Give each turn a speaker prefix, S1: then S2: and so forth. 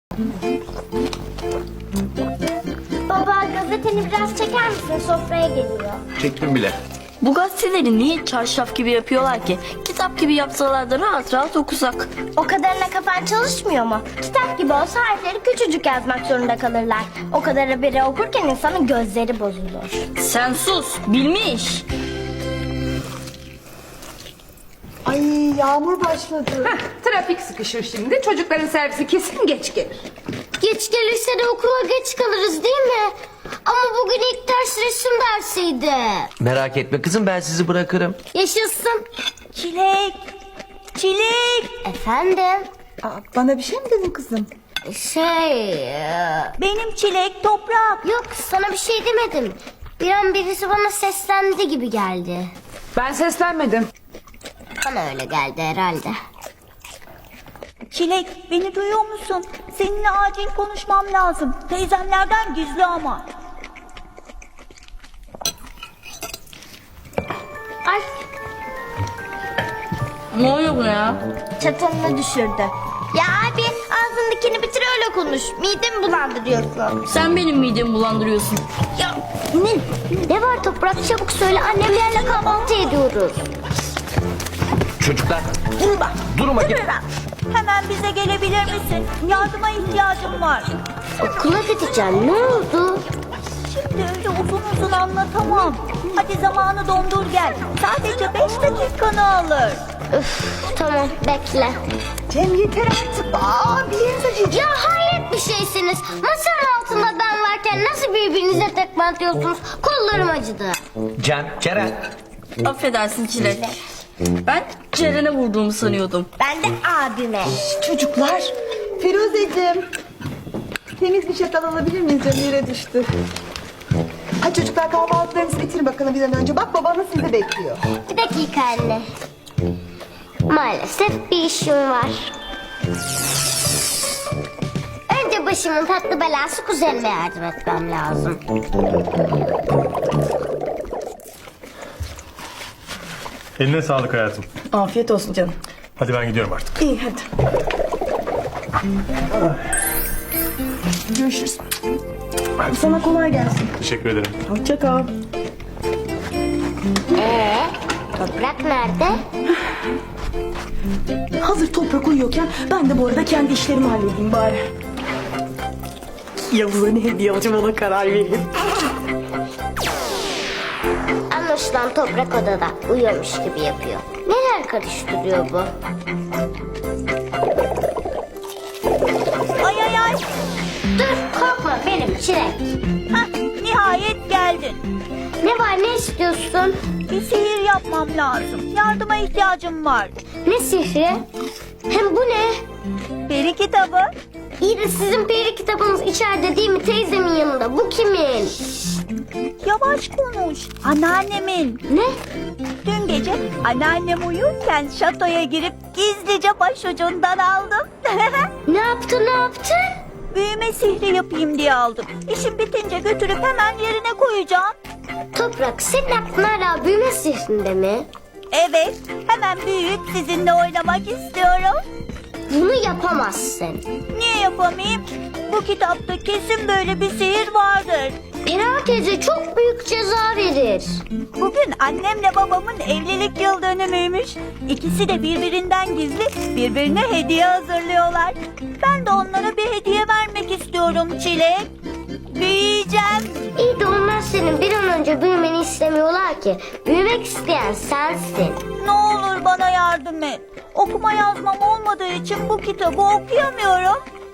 S1: Baba, gazeteni biraz çeker misin? Sofraya geliyor.
S2: Çektim bile.
S3: Bu gazeteleri niye çarşaf gibi yapıyorlar ki? Kitap gibi yapsalar da rahat rahat okusak.
S1: O kadarına kafan çalışmıyor mu? Kitap gibi olsa harfleri küçücük yazmak zorunda kalırlar. O kadar haberi okurken insanın gözleri bozulur.
S3: Sen sus, bilmiş.
S4: Ay yağmur başladı.
S5: Trafik sıkışır şimdi. Çocukların servisi kesin geç gelir.
S1: Geç gelirse de okula geç kalırız değil mi? Ama bugün ilk ders resim dersiydi.
S6: Merak etme kızım, ben sizi bırakırım.
S1: Yaşasın.
S4: Çilek. Çilek.
S1: Efendim?
S4: Aa, bana bir şey mi dedin kızım? Benim Çilek, Toprak.
S1: Yok, sana bir şey demedim. Bir an birisi bana seslendi gibi geldi.
S5: Ben seslenmedim.
S1: Bana öyle geldi herhalde.
S4: Çilek, beni duyuyor musun? Seninle acil konuşmam lazım. Teyzemlerden gizli ama.
S1: Ay,
S3: Ne oluyor bu ya?
S1: çatalını düşürdü. Ya abi, ağzındakini bitir öyle konuş. Midemi bulandırıyorsun.
S3: Sen benim midemi bulandırıyorsun.
S1: Ya ne var Toprak, çabuk söyle, annemlerle kahvaltı ediyoruz.
S6: Çocuklar durun bakayım.
S4: Hemen bize gelebilir misin? Yardıma ihtiyacım var.
S1: Okula gideceğim, ne oldu?
S4: Şimdi öyle uzun uzun anlatamam. Hadi zamanı dondur gel. Sadece 5 dakikanı alır.
S1: Üf, tamam bekle.
S4: Cem yeter artık. Bir yerinize acıyacak.
S1: Ya hayret bir şeysiniz. Masanın altında ben varken nasıl birbirinize tekme atıyorsunuz? Kollarım acıdı.
S6: Can, Ceren.
S3: Affedersin Çilek. Ben Ceren'e vurduğumu sanıyordum.
S1: Ben de abime.
S4: Çocuklar. Firuzeciğim. Temiz bir çatal alabilir miyiz? Cem yere düştü. Hadi çocuklar, kahvaltılarınızı bitirin bakalım bir an önce. Bak babanız sizi bekliyor.
S1: Bir dakika anne. Maalesef bir işim var. Önce başımın tatlı belası kuzenime yardım etmem lazım.
S7: Eline sağlık hayatım.
S3: Afiyet olsun canım.
S7: Hadi ben gidiyorum artık.
S3: İyi hadi.
S4: Görüşürüz. Sana kolay gelsin.
S7: Teşekkür ederim.
S3: Hoşça kal.
S1: Toprak nerede?
S3: Hazır Toprak uyuyorken ben de bu arada kendi işlerimi halledeyim bari. Yavuz'a ne hediye alacağım ona karar vereyim.
S1: Anlaşılan Toprak odada uyuyormuş gibi yapıyor. Neler karıştırıyor bu?
S4: Ay ay ay.
S1: Dur korkma, benim Çilek.
S4: Hah, nihayet geldin.
S1: Ne var, ne istiyorsun?
S4: Bir sihir yapmam lazım. Yardıma ihtiyacım var.
S1: Ne sihri? Hem bu ne?
S4: Peri kitabı.
S1: İyi de sizin peri kitabınız içeride değil mi, teyzemin yanında? Bu kimin?
S4: Yavaş konuş. Anneannemin.
S1: Ne?
S4: Dün gece anneannem uyurken şatoya girip gizlice başucundan aldım.
S1: Ne yaptın, ne yaptın?
S4: Büyüme sihri yapayım diye aldım. İşim bitince götürüp hemen yerine koyacağım.
S1: Toprak, senin aklın hala büyüme sihrinde mi?
S4: Evet, hemen büyüyüp sizinle oynamak istiyorum.
S1: Bunu yapamazsın.
S4: Niye yapamayayım? Bu kitapta kesin böyle bir sihir vardır.
S1: Pera teyze çok büyük ceza verir.
S4: Bugün annemle babamın evlilik yıl dönümüymüş. İkisi de birbirinden gizli birbirine hediye hazırlıyorlar. Ben de onlara bir hediye vermek istiyorum Çilek. Büyüyeceğim.
S1: İyi de onlar senin bir an önce büyümeni istemiyorlar ki. Büyümek isteyen sensin.
S4: Ne olur bana yardım et. Okuma yazmam olmadığı için bu kitabı okuyamıyorum.